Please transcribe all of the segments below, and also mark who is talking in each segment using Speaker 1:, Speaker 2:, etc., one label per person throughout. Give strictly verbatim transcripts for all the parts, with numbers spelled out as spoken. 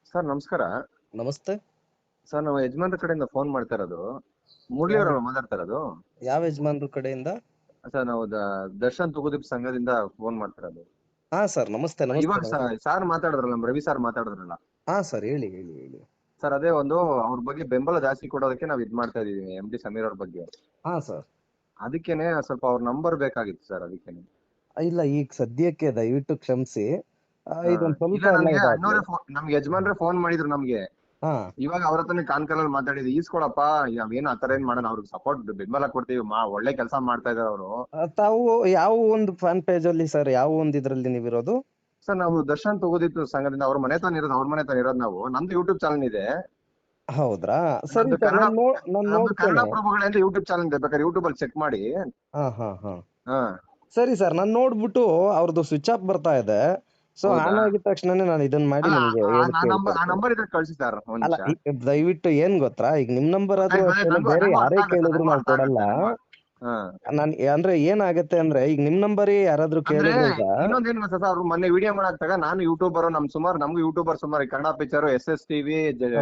Speaker 1: Sir ನಮಸ್ಕಾರ.
Speaker 2: ನಮಸ್ತೆ.
Speaker 1: Sir ನಾವು ಯಜಮಾನ್ರ ಕಡೆಯಿಂದ ಫೋನ್ ಮಾಡ್ತಾ ಇರೋದು. ಮುರಳಿ
Speaker 2: ಯಾವ
Speaker 1: ಅವರಲ್ಲ ಮಾತಾಡ್ತಾ ಇರೋದು?
Speaker 2: ಯಾವ ಯಜಮಾನ್ರ ಕಡೆಯಿಂದ?
Speaker 1: ಸರ್ ನಾವು ದ- ದರ್ಶನ್ ತುಗುದೀಪ್ ಸಂಘದಿಂದ ಫೋನ್ ಮಾಡ್ತಾ ಇರೋದು.
Speaker 2: ಹಾ ಸರ್, ನಮಸ್ತೆ ನಮಸ್ತೆ
Speaker 1: ಇವಾಗ
Speaker 2: ನಮಸ್ತೆ.
Speaker 1: ಸಾರ್ ಮಾತಾಡಿದ್ರಲ್ಲ, ನಮ್ಮ ರವಿ ಸಾರ್ ಮಾತಾಡಿದ್ರಲ್ಲ
Speaker 2: ಹಾ ಸರ್, ಹೇಳಿ ಹೇಳಿ ಹೇಳಿ.
Speaker 1: ಸರ್. ಅದೇ ಒಂದು ಅವ್ರ ಬಗ್ಗೆ ಬೆಂಬಲ ಜಾಸ್ತಿ ಕೊಡೋದಕ್ಕೆ ನಾವು ಇದ್ ಮಾಡ್ತಾ ಇದೀವಿ, ಎಂ ಡಿ ಸಮೀರ್ ಅವ್ರ ಬಗ್ಗೆ.
Speaker 2: ಹಾ ಸರ್.
Speaker 1: ಅದಕ್ಕೇನೆ ಸ್ವಲ್ಪ ಅವ್ರ ನಂಬರ್ ಬೇಕಾಗಿತ್ತು ಸರ್, ಅದಕ್ಕೇನೆ.
Speaker 2: ಇಲ್ಲ, ಈಗ ಸದ್ಯಕ್ಕೆ ದಯವಿಟ್ಟು ಕ್ಷಮಿಸಿ. ಆ,
Speaker 1: ಹಾ.
Speaker 2: ಇದೊಂದ್ ಸ್ವಲ್ಪ
Speaker 1: ಇಲ್ಲ,
Speaker 2: ಎಲ್ಲ
Speaker 1: ನಮ್ಗೆ
Speaker 2: ಇದಾಗ್ಲಿ.
Speaker 1: ಅಣ್ಣವ್ರೆ ಫೋ- ನಮ್ಗೆ ಯಜಮಾನ್ರೆ ಫೋನ್ ಮಾಡಿದ್ರು ನಮ್ಗೆ.
Speaker 2: ಹಾ.
Speaker 1: ಇವಾಗ ಅವ್ರ ಹತ್ರನೇ ಕಾನ್ಕಲಲ್ಲಿ ಮಾತಾಡಿದ್ವಿ, ಈಸ್ಕೊಳಪ್ಪ, ನಾವೇನು ಆತರ ಏನ್ ಮಾಡೋಣ, ಅವ್ರಿಗೆ ಸಪೋರ್ಟ್ ಬೆಂಬಲ ಕೊಡ್ತೀವಿ, ಮಾ ಒಳ್ಳೆ ಕೆಲಸ ಮಾಡ್ತಾ ಇದಾರೆ ಅವರು.
Speaker 2: ಆ, ತಾವು ಯಾವ ಒಂದು ಫ್ಯಾನ್ ಪೇಜ್ ಅಲ್ಲಿ ಸರ್, ಯಾವ ಒಂದು ಇದ್ರಲ್ಲಿ ನೀವಿರೋದು?
Speaker 1: ಸರ್ ನಾವು ದರ್ಶನ್ ತಗೋದಿತ್ತು ಸಂಘದಿಂದ, ಅವ್ರ ಮನೆ ತಾನ ಇರೋದು, ಅವ್ರ ಮನೆ ತಾನ ಇರೋದು ನಾವು. ನಮ್ದು ಯೂಟ್ಯೂಬ್ ಚಾನಲ್ ಇದೆ.
Speaker 2: ಹೌದ್ರಾ? ಸರಿ
Speaker 1: ನಮ್ದು
Speaker 2: ಸರ್,
Speaker 1: ಕನ್ನಡ
Speaker 2: ನಾನು ನೋ ನಾನು
Speaker 1: ನಮ್ದು ಕನ್ನಡ
Speaker 2: ನೋಡ್ತೇನೆ.
Speaker 1: ಪ್ರಭುಗಳೇ ಅಂತ ಯೂಟ್ಯೂಬ್ ಚಾನಲ್ ಇದೆ, ಬೇಕಾದ್ರೆ ಯೂಟ್ಯೂಬ್ ಅಲ್ಲಿ ಚೆಕ್ ಮಾಡಿ.
Speaker 2: ಹಾ ಹಾ ಹಾ.
Speaker 1: ಹಾ.
Speaker 2: ಸರಿ ಸರ್, ನಾನು ನೋಡ್ಬಿಟ್ಟು ಅವ್ರದ್ದು ಸ್ವಿಚ್ ಆಫ್ ಬರ್ತಾ ಇದೆ. ಸೊ
Speaker 1: ಹೌದಾ?
Speaker 2: ಆನ್ ಆಗಿದ ತಕ್ಷಣನೇ ನಾನು ಇದನ್ನ ಮಾಡಿ
Speaker 1: ಅಲ್ಲ,
Speaker 2: ನಿಮ್ಗೆ
Speaker 1: ಆ
Speaker 2: ಹೇಳಿ
Speaker 1: ಆ ನಂಬರ್ ಆ
Speaker 2: ಕೇಳ್ಕೊಡ್ತೇನೆ.
Speaker 1: ನಂಬರ್ ಇದ್ರೆ ಕಳ್ಸಿ ಸರ್, ಒಂದ್
Speaker 2: ಅಲ್ಲ,
Speaker 1: ನಿಮಿಷ.
Speaker 2: ಈ- ದಯವಿಟ್ಟು ಏನ್ ಗೊತ್ತಾ, ಈಗ ನಿಮ್ ನಂಬರ್ ಆದ್ರೂ
Speaker 1: ಗೊತ್ತಾಯ್ತು,
Speaker 2: ಅಷ್ಟೇನೆ,
Speaker 1: ನಂಗೂ
Speaker 2: ಬೇರೆ
Speaker 1: ನಂಗೂ ಅರ್ಥ
Speaker 2: ಯಾರೇ
Speaker 1: ಆಗುತ್ತೆ,
Speaker 2: ಕೇಳಿದ್ರು
Speaker 1: ನಂಗೂ
Speaker 2: ನಾವು
Speaker 1: ಅರ್ಥ
Speaker 2: ಕೊಡಲ್ಲ.
Speaker 1: ಆಗುತ್ತೆ, ನಂಗೂ. ಹಾ.
Speaker 2: ನಾನ್ ಅಂದ್ರೆ ಏನಾಗತ್ತೆ ಅಂದ್ರೆ, ಈಗ ನಿಮ್ ನಂಬರ್ ಯಾರಾದ್ರೂ
Speaker 1: ಅಂದ್ರೆ
Speaker 2: ಕೇಳಿದ್ರೆ ಈಗ.
Speaker 1: ಇನ್ನೊಂದೇನು ಗೊತ್ತಾ ಸರ್, ಅವ್ರು ಮೊನ್ನೆ ವಿಡಿಯೋ ಮಾಡಾಕ್ತಾಗ ನಾನು ಯೂಟ್ಯೂಬರ್, ನಮ್ ಸುಮಾರು ನಮ್ಗೂ ಯೂಟ್ಯೂಬರ್ ಸುಮಾರು, ಈ Kannada picture, S S TV,
Speaker 2: ಹಾ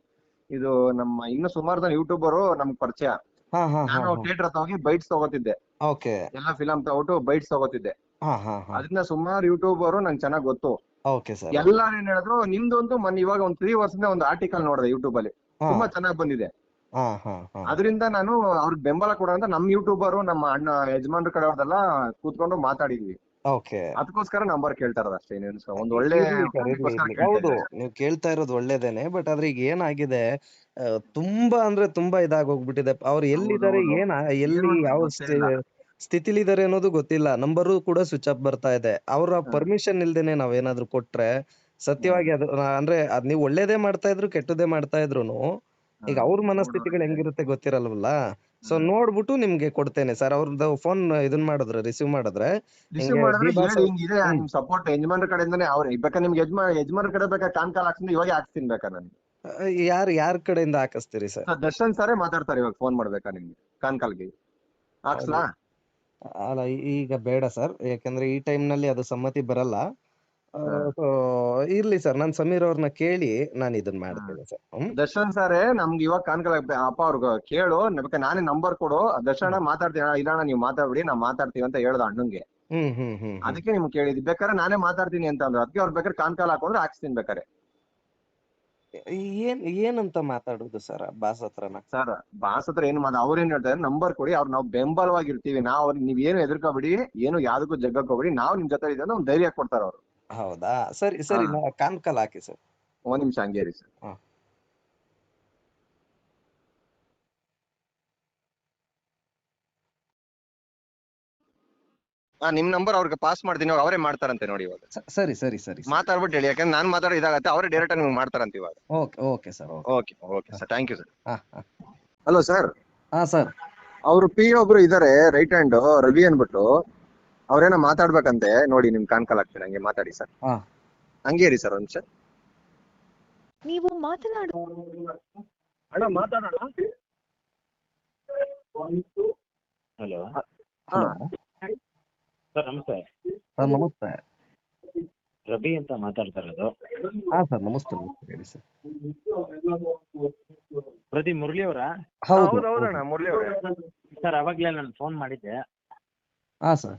Speaker 1: ಇದು ನಮ್ಮ ಇನ್ನು ಸುಮಾರು ಜನ ಯೂಟ್ಯೂಬರು ನಮ್ಗೆ ಪರಿಚಯ.
Speaker 2: ಹಾ ಹಾ ಹಾ
Speaker 1: ನಾನು
Speaker 2: ಹಾ.
Speaker 1: ಥಿಯೇಟರ್ ಹತ್ರ ಹೋಗಿ ಬೈಟ್ಸ್ ತಗೋತಿದ್ದೆ,
Speaker 2: ಓಕೆ.
Speaker 1: ಎಲ್ಲ ಫಿಲಂ ತಗೊಟ್ಟು ಬೈಟ್ಸ್ ತಗೋತಿದ್ದೆ.
Speaker 2: ಹಾ ಹಾ ಹಾ.
Speaker 1: ಅದನ್ನ ಸುಮಾರು ಯೂಟ್ಯೂಬರು ನಂಗೆ ಚೆನ್ನಾಗ್ ಗೊತ್ತು.
Speaker 2: Okay sir.
Speaker 1: ಎಲ್ಲಾರು ಏನ್ ಹೇಳಿದ್ರು, ನಿಮ್ದೊಂದು ಮೊನ್ನೆ ಇವಾಗ ಒಂದ್ ತ್ರೀ ವರ್ಷದಿಂದ ಒಂದು ಆರ್ಟಿಕಲ್ ನೋಡಿದೆ ಯೂಟ್ಯೂಬ್ ಅಲ್ಲಿ,
Speaker 2: ಹಾ
Speaker 1: ತುಂಬಾ ಚೆನ್ನಾಗ್ ಬಂದಿದೆ.
Speaker 2: ಹಾ ಹಾ ಹಾ.
Speaker 1: ಅದರಿಂದ ನಾನು ಅವ್ರಿಗೆ ಬೆಂಬಲ ಕೊಡೋ ಅಂತ ನಮ್ ಯೂಟ್ಯೂಬರು, ನಮ್ಮ ಅಣ್ಣ ಯಜಮಾನ್ರ ಕಡೆ ಅವ್ರದೆಲ್ಲ ಕೂತ್ಕೊಂಡು ಮಾತಾಡಿದ್ವಿ.
Speaker 2: ಓಕೆ.
Speaker 1: ಅದಕ್ಕೋಸ್ಕರ ನಂಬರ್ ಕೇಳ್ತಾ ಇರೋದು ಅಷ್ಟೇ, ಇನ್ನೇನು ಸರ್, ಒಂದ್ ಒಳ್ಳೆ
Speaker 2: ಇರ್ಲಿ ಸರ್, ಇರ್ಲಿ
Speaker 1: ಕಾರ್ಯಕ್ಕೋಸ್ಕರ
Speaker 2: ಇರ್ಲಿ.
Speaker 1: ಕೇಳ್ತಾ
Speaker 2: ಹೌದು,
Speaker 1: ಇದ್ದೆ.
Speaker 2: ನೀವು ಕೇಳ್ತಾ ಇರೋದು ಒಳ್ಳೇದೇನೆ. ಬಟ್ ಆದ್ರೆ ಈಗ ಏನಾಗಿದೆ, ಆ, ತುಂಬಾ ಅಂದ್ರೆ ತುಂಬಾ ಇದಾಗೋಗ್ಬಿಟ್ಟಿದೆ. ಅವ್ರು ಎಲ್ಲಿದ್ದಾರೆ,
Speaker 1: ಹೌದೌದು.
Speaker 2: ಏನ
Speaker 1: ಏನು
Speaker 2: ಎಲ್ಲಿ
Speaker 1: ಅಂತ
Speaker 2: ಯಾವ
Speaker 1: ಗೊತ್ತೇ ಇಲ್ಲ.
Speaker 2: ಸ್ಥಿತಿಲಿದ್ದಾರೆ ಅನ್ನೋದು ಗೊತ್ತಿಲ್ಲ. ನಂಬರು ಕೂಡ ಸ್ವಿಚ್ ಆಫ್ ಬರ್ತಾ ಇದೆ. ಅವರ
Speaker 1: ಹ.
Speaker 2: ಪರ್ಮಿಷನ್ ಇಲ್ದೇನೆ ನಾವೇನಾದ್ರೂ ಕೊಟ್ರೆ,
Speaker 1: ಹ.
Speaker 2: ಸತ್ಯವಾಗಿ ಅದು ಆ, ಅಂದ್ರೆ ಅದ್ ನೀವು ಒಳ್ಳೇದೇ ಮಾಡ್ತಾ ಇದ್ರು ಕೆಟ್ಟದೇ ಮಾಡ್ತಾ ಇದ್ರುನು,
Speaker 1: ಹ.
Speaker 2: ಈಗ ಅವ್ರ ಮನಸ್ಥಿತಿಗಳು
Speaker 1: ನೋಡೋರಿಗೆ.
Speaker 2: ಹೆಂಗಿರುತ್ತೆ ಗೊತ್ತಿರಲ್ವಲ್ಲ. ಸೊ
Speaker 1: ಹ.
Speaker 2: ನೋಡ್ಬಿಟ್ಟು ನಿಮ್ಗೆ ಕೊಡ್ತೇನೆ ಸರ್. ಅವ್ರದ್ದು ಫೋನ್ ಇದನ್ ಮಾಡಿದ್ರೆ, ರಿಸೀವ್ ಮಾಡಿದ್ರೆ,
Speaker 1: ರಿಸೀವ್
Speaker 2: ಹಿಂಗೆ
Speaker 1: ಮಾಡಿದ್ರೆ
Speaker 2: ಡಿ ಬಾಸ್.
Speaker 1: ಹೇಳಿ, ಹಿಂಗಿದೆ
Speaker 2: ಹ್ಮ್.
Speaker 1: ನಿಮ್ ಸಪೋರ್ಟ್ ಯಜಮಾನ್ರ ಕಡೆಯಿಂದಾನೆ. ಅವ್ರ ಬೇಕಾ ನಿಮ್ಗೆ ಯಜಮಾ ಯಜಮಾನ್ರ ಕಡೆ ಬೇಕಾ ಕಾನ್ ಕಾಲ್ ಹಾಕ್ತೀನಿ, ಇವಾಗ ಹಾಕ್ತೀನಿ ಬೇಕಾ ನಾನು.
Speaker 2: ಯಾರ್ ಯಾರ್ ಕಡೆಯಿಂದ ಹಾಕಿಸ್ತೀರಿ ಸರ್?
Speaker 1: ಸರ್ ದರ್ಶನ್ ಸರೇ ಮಾತಾಡ್ತಾರೆ, ಇವಾಗ ಫೋನ್ ಮಾಡ್ಬೇಕಾ ನಿಮ್ಗೆ ಕಾನ್ ಕಾಲ್ಗೆ ಹಾಕ್ಸ್ಲಾ?
Speaker 2: ಅಲ್ಲ, ಈಗ ಬೇಡ ಸರ್, ಯಾಕಂದ್ರೆ ಈ ಟೈಮ್ ನಲ್ಲಿ ಅದು ಸಮ್ಮತಿ ಬರಲ್ಲ. ಆ,
Speaker 1: ಹ.
Speaker 2: so ಇರ್ಲಿ ಸರ್, ನಾನ್ ಸಮೀರ್ ಅವ್ರನ್ನ ಕೇಳಿ ನಾನು ಇದನ್ನ
Speaker 1: ಹ.
Speaker 2: ಮಾಡ್ತೇನೆ ಸರ್. ಹ್ಮ್.
Speaker 1: ದರ್ಶನ್ ಸರೇ ನಮ್ಗೆ ಇವಾಗ ಕಾನ್ ಕಾಲ್ ಅಪ್ಪ ಅವ್ರಿಗೆ ಕೇಳು, ಬೇಕಾ ನಾನೇ ನಂಬರ್ ಕೊಡು, ದರ್ಶನ ಮಾತಾಡ್ತೀನಿ. ಇಲ್ಲಣ್ಣ ನೀವು ಮಾತಾಡ್ಬಿಡಿ, ನಾವ್ ಮಾತಾಡ್ತೀವಿ ಅಂತ ಹೇಳ್ದ ಅಣ್ಣಂಗೆ.
Speaker 2: ಹ್ಮ್ ಹ್ಮ್ ಹ್ಮ್ ಹ್ಮ್.
Speaker 1: ಅದಕ್ಕೆ ನಿಮ್ಗೆ ಕೇಳಿದ್ವಿ, ಬೇಕಾದ್ರೆ ನಾನೇ ಮಾತಾಡ್ತೀನಿ ಅಂತ ಅಂದ್ರು. ಅದಕ್ಕೆ ಅವ್ರು ಬೇಕಾದ್ರೆ ಕಾನ್ ಕಾಲ್ ಹಾಕೊಂಡ್ರೆ ಹಾಕ್ಸ್ತೀನಿ ಬೇಕಾರೆ.
Speaker 2: ಏನ್ ಏನಂತ ಮಾತಾಡುದು ಸರ್ ಬಾಸ್ ಹತ್ರನ?
Speaker 1: ಸರ್ ಬಾಸ್ ಹತ್ರ ಏನು ಮಾಡ, ಅವ್ರೇನ್ ಹೇಳ್ತಾರೆ, ನಂಬರ್ ಕೊಡಿ, ಅವ್ರು ನಾವು ಬೆಂಬಲವಾಗಿರ್ತೀವಿ, ನಾವು ಅವ್ರಿಗೆ ನೀವ್ ಏನು ಹೆದರ್ಕೋಬಿಡಿ, ಏನು ಯಾವ್ದಕ್ಕೂ ಜಗ್ಗಕ್ಕೋಬಿಡಿ, ನಾವು ನಿಮ್ ಜೊತೆ ಇದೆ ಅಂತ ಒಂದು ಧೈರ್ಯ ಕೊಡ್ತಾರ ಅವ್ರು.
Speaker 2: ಹೌದಾ? ಸರಿ
Speaker 1: ಹಾ.
Speaker 2: ಸರಿ, ನಾ ಕಾನ್ ಕಾಲ್ ಹಾಕಿ ಸರ್.
Speaker 1: ಒಂದ್ ನಿಮಿಷ ಹಂಗೆ ಇರಿ ಸರ್.
Speaker 2: ಹಾ.
Speaker 1: ಹಾ, ನಿಮ್ ನಂಬರ್ ಅವ್ರಿಗೆ ಪಾಸ್ ಮಾಡ್ತೀನಿ, ಇವಾಗ ಅವರೇ ಮಾಡ್ತಾರಂತೆ ನೋಡಿ ಇವಾಗ.
Speaker 2: ಸ- ಸರಿ ಸರಿ ಸರಿ ಸರಿ.
Speaker 1: ಮಾತಾಡ್ಬಿಟ್ಟು ಹೇಳಿ, ಯಾಕಂದ್ರೆ ನಾನ್ ಮಾತಾಡೋ ಇದಾಗತ್ತೆ, ಅವರೇ ಡೈರೆಕ್ಟ್ ಆಗಿ ನಿಮ್ಗೆ ಮಾಡ್ತಾರಂತೆ ಇವಾಗ.
Speaker 2: Okay okay sir, okay.
Speaker 1: Okay okay sir, thank you sir.
Speaker 2: ಹಾ ಹಾ
Speaker 1: ಹಲೋ ಸರ್.
Speaker 2: ಹಾ ಸರ್.
Speaker 1: ಅವ್ರು ಪಿ ಒಬ್ರು ಇದಾರೆ, ರೈಟ್ ಹ್ಯಾಂಡ್ ರವಿ ಅನ್ಬಿಟ್ಟು, ಅವ್ರೇನೋ ಮಾತಾಡ್ಬೇಕಂತೆ ನೋಡಿ, ನಿಮ್ ಕಾನ್ ಕಾಲ್ ಹಾಕ್ತೀನಿ, ಹಂಗೆ ಮಾತಾಡಿ ಸರ್.
Speaker 2: ಹಾ.
Speaker 1: ಹಂಗೆ ಇರಿ ಸರ್ ಒಂದ್ ನಿಮಿಷ.
Speaker 3: ನೀವು ಮಾತನಾಡು.
Speaker 1: ಅಣ್ಣ ಮಾತಾಡೋಣ.
Speaker 4: ಹಲೋ
Speaker 1: ಹಾ.
Speaker 4: ಸರ್, ನಮಸ್ತೆ.
Speaker 2: ಸರ್ ನಮಸ್ತೆ.
Speaker 4: ರವಿ ಅಂತ ಮಾತಾಡ್ತಾ ಇರೋದು.
Speaker 2: ಹಾ ಸರ್, ನಮಸ್ತೆ ನಮಸ್ತೆ, ಹೇಳಿ ಸರ್.
Speaker 4: ಪ್ರತಿ ಮುರಳಿ ಅವರಾ?
Speaker 2: ಹೌದು
Speaker 1: ಹೌದು
Speaker 2: ಹೌದು.
Speaker 1: ಹೌದಣ್ಣ, ಮುರಳಿ ಅವ್ರೆ.
Speaker 4: ಸರ್, ಅವಾಗ್ಲೇ ನಾನು ಫೋನ್ ಮಾಡಿದ್ದೆ.
Speaker 2: ಹಾ ಸರ್.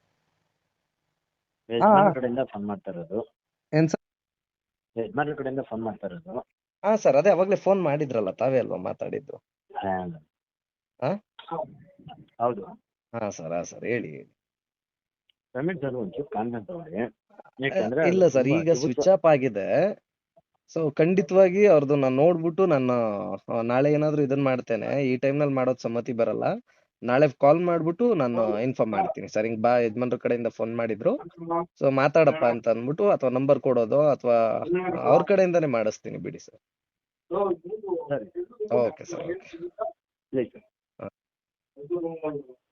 Speaker 4: ಯಜಮಾನ್ರ ಕಡೆಯಿಂದ ಫೋನ್ ಮಾಡ್ತಾ ಇರೋದು.
Speaker 2: ಏನ್ ಸರ್?
Speaker 4: ಯಜಮಾನ್ರ ಕಡೆಯಿಂದ ಫೋನ್ ಮಾಡ್ತಾ ಇರೋದು.
Speaker 2: ಹಾ ಸರ್, ಅದೇ ಅವಾಗ್ಲೇ ಫೋನ್ ಮಾಡಿದ್ರಲ್ಲ, ತಾವೇ ಅಲ್ವಾ ಮಾತಾಡಿದ್ದು?
Speaker 4: ಹಾ.
Speaker 2: ಹಾ.
Speaker 4: ಹೌದು.
Speaker 2: ಹಾ ಸರ್, ಹಾ ಸರ್, ಹೇಳಿ ಹೇಳಿ.
Speaker 4: ಪೇಮೆಂಟ್ ಸರ್ ಒಂಚೂರು ಕಾನ್ಫಿಡೆಂಟ್ ತಗೊಳ್ಳಿ.
Speaker 2: ಆ,
Speaker 4: ಯಾಕಂದ್ರೆ ಅದು
Speaker 2: ಇಲ್ಲ ಸರ್,
Speaker 4: ತುಂಬಾ
Speaker 2: ಈಗ
Speaker 4: ಅದ್ಭುತ.
Speaker 2: ಸ್ವಿಚ್ ಆಫ್ ಆಗಿದೆ. ಸೊ ಖಂಡಿತವಾಗಿ ಅವ್ರದ್ದು ನಾನು ನೋಡ್ಬಿಟ್ಟು ನಾನು ಆ, ನಾಳೆ ಏನಾದ್ರು ಇದನ್ನ ಮಾಡ್ತೇನೆ. ಈ ಟೈಮ್ ನಲ್ಲಿ ಮಾಡೋದ್ ಸಮ್ಮತಿ ಬರಲ್ಲ. ನಾಳೆ ಕಾಲ್ ಮಾಡ್ಬಿಟ್ಟು ನಾನು ಇನ್ಫಾರ್ಮ್ ಮಾಡ್ತೀನಿ ಸರ್. ಹಿಂಗ್ ಬಾ, ಯಜಮಾನ್ರ ಕಡೆಯಿಂದ ಫೋನ್ ಮಾಡಿದ್ರು, ಸೊ ಮಾತಾಡಪ್ಪ ಅಂತ ಅಂದ್ಬಿಟ್ಟು, ಅಥವಾ ನಂಬರ್ ಕೊಡೋದು, ಅಥವಾ ಅವ್ರ ಕಡೆಯಿಂದಾನೇ ಮಾಡಿಸ್ತೀನಿ ಬಿಡಿ ಸರ್.
Speaker 4: ಸರಿ.
Speaker 2: Okay sir, okay.
Speaker 4: ಪ್ಲೀಸ್.
Speaker 2: ಹಾ.